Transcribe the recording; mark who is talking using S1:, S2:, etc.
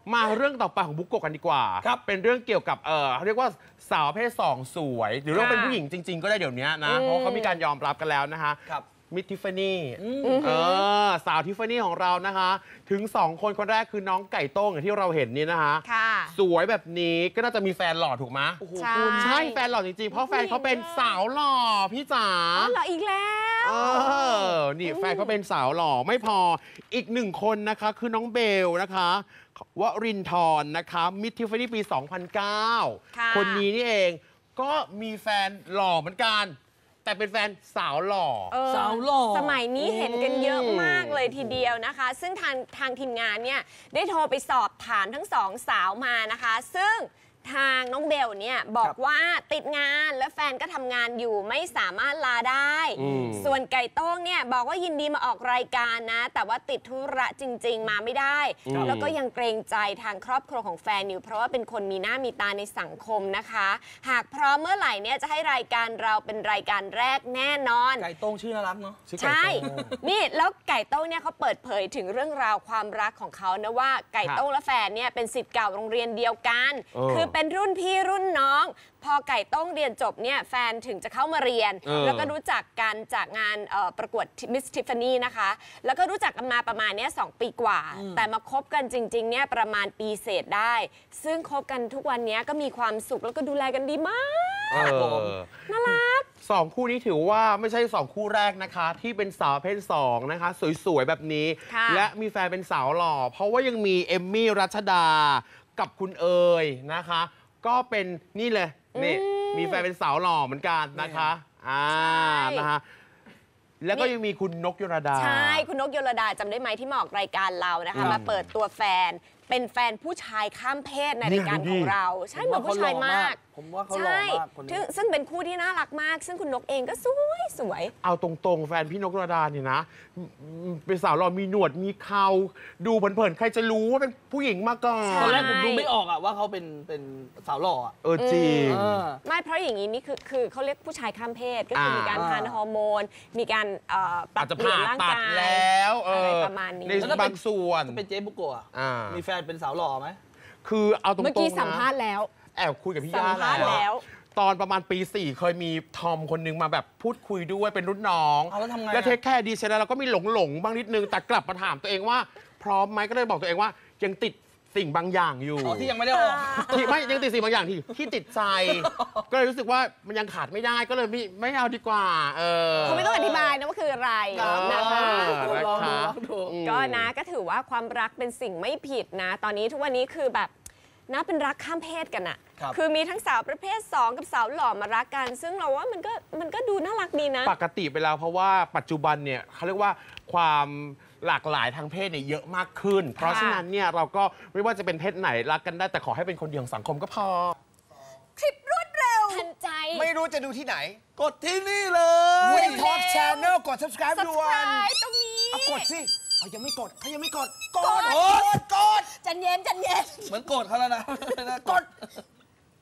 S1: มาเรื่องต่อไปของบุ๊กโกะกันดีกว่าครับเป็นเรื่องเกี่ยวกับเรียกว่าสาวประเภท2สวยหรือว่าเป็นผู้หญิงจริงๆก็ได้เดี๋ยวนี้นะเพราะเขามีการยอมรับกันแล้วนะคะมิสทิฟฟานี่สาวทิฟฟานี่ของเรานะคะถึง2คนคนแรกคือน้องไก่โต้งอย่างที่เราเห็นนี่นะคะสวยแบบนี้ก็น่าจะมีแฟนหล่อถูกไหมใช่แฟนหล่อจริงๆเพราะแฟนเขาเป็นสาวหล่อพี่จ๋า
S2: หล่ออีกแล้ว
S1: นี่แฟนเขาเป็นสาวหล่อไม่พออีก1คนนะคะคือน้องเบลนะคะวรินทร์นะคะมิสทิฟฟานี่ปี 2009 คนนี้นี่เองก็มีแฟนหล่อเหมือนกันแต่เป็นแฟนสาวหล่อ
S2: สาวหล่อสมัยนี้เห็นกันเยอะมากเลยทีเดียวนะคะซึ่งทางทีมงานเนี่ยได้โทรไปสอบถามทั้ง2สาวมานะคะซึ่งทางน้องเบลเนี่ยบอกว่าติดงานและแฟนก็ทำงานอยู่ไม่สามารถลาได้ส่วนไก่โต้งเนี่ยบอกว่ายินดีมาออกรายการนะแต่ว่าติดธุระจริงๆมาไม่ได้แล้วก็ยังเกรงใจทางครอบครัวของแฟนอยู่เพราะว่าเป็นคนมีหน้ามีตาในสังคมนะคะหากพร้อมเมื่อไหร่เนี่ยจะให้รายการเราเป็นรายการแรกแน่นอน
S3: ไก่โต้งชื่อน่ารักเนาะ
S2: ใช่นี่แล้วไก่โต้งเนี่ยเขาเปิดเผยถึงเรื่องราวความรักของเขานะว่าไก่โต้งและแฟนเนี่ยเป็นศิษย์เก่าโรงเรียนเดียวกันคือเป็นรุ่นพี่รุ่นน้องพอไก่โต้งเรียนจบเนี่ยแฟนถึงจะเข้ามาเรียนแล้วก็รู้จักกันจากงานประกวดมิสทิฟฟานี่นะคะแล้วก็รู้จักกันมาประมาณนี้2 ปีกว่าแต่มาคบกันจริงๆเนี่ยประมาณปีเศษได้ซึ่งคบกันทุกวันนี้ก็มีความสุขแล้วก็ดูแลกันดีมากน่ารัก
S1: 2 คู่นี้ถือว่าไม่ใช่2 คู่แรกนะคะที่เป็นสาวประเภท2นะคะสวยๆแบบนี้และมีแฟนเป็นสาวหล่อเพราะว่ายังมีเอมมี่รัชดากับคุณเอ๋ยนะคะก็เป็นนี่เลยนี่มีแฟนเป็นสาวหล่อเหมือนกันนะคะนะคะแล้วก็ยังมีคุณนกยลดา
S2: ใช่คุณนกยลดาจำได้ไหมที่มาออกรายการเรานะคะมาเปิดตัวแฟนเป็นแฟนผู้ชายข้ามเพศในรายการของเราใช่เหมือนผู้ชายมาก
S3: ผมว่าเขาหล่อมากคนนี้
S2: ซึ่งเป็นคู่ที่น่ารักมากซึ่งคุณนกเองก็สวย
S1: เอาตรงๆแฟนพี่นกยลดาเนี่ยนะเป็นสาวหล่อมีหนวดมีเคราดูเผินๆใครจะรู้ว่าเป็นผู้หญิงมาก่อน
S3: ตอนแรกผมดูไม่ออกอะว่าเขาเป็นสาวหล่อ
S1: จริง
S2: ไม่เพราะอย่างนี้นี่คือเขาเรียกผู้ชายข้ามเพศก็คือมีการทานฮอร์โมนมีการปรับเปลี่ยนร่างกาย
S1: แล้ว
S2: อะไรประมาณนี้
S1: ในบางส่วน
S3: เป็นเจ๊บุโกะมีแฟนเป็นสาวหล่อไหม
S1: คือเอาตรงๆนะ
S2: เมื่อกี้สัมภาษณ์แล้ว
S1: แอบคุยกับพี่ย่าแล้วตอนประมาณปี 4เคยมีทอมคนนึงมาแบบพูดคุยด้วยเป็นรุ่นน้องแล้วเทคแค่ดีเสร็จแล้วเราก็มีหลงบ้างนิดนึงแต่กลับมาถามตัวเองว่าพร้อมไหมก็เลยบอกตัวเองว่ายังติดสิ่งบางอย่างอยู่
S3: ที่ยังไม่ได้ออก
S1: ที่ไม่ยังติดสิ่งบางอย่างที่ติดใจก็เลยรู้สึกว่ามันยังขาดไม่ได้ก็เลยไม่เอาดีกว่า
S2: คุณไม่ต้องอธิบายนะว่าคืออะไรนะคะก็นะก็ถือว่าความรักเป็นสิ่งไม่ผิดนะตอนนี้ทุกวันนี้คือแบบน่าเป็นรักข้ามเพศกันอะคือมีทั้งสาวประเภท2กับสาวหล่อมารักกันซึ่งเราว่ามันก็ดูน่ารักดีนะ
S1: ปกติไปแล้วเพราะว่าปัจจุบันเนี่ยเขาเรียกว่าความหลากหลายทางเพศเนี่ยเยอะมากขึ้นเพราะฉะนั้นเนี่ยเราก็ไม่ว่าจะเป็นเพศไหนรักกันได้แต่ขอให้เป็นคนเดียวของสังคมก็พอ
S2: คลิปรวดเร็วทันใจ
S4: ไม่รู้จะดูที่ไหน
S3: กดที่นี่เลย
S4: วินทอล์กแชนแนลกด subscribe ด่วน
S2: ตรงนี้
S4: กดสิเขายังไม่กดกด
S2: ใจเย็น
S3: เหมือนโกรธเขาแล้วนะ
S4: กด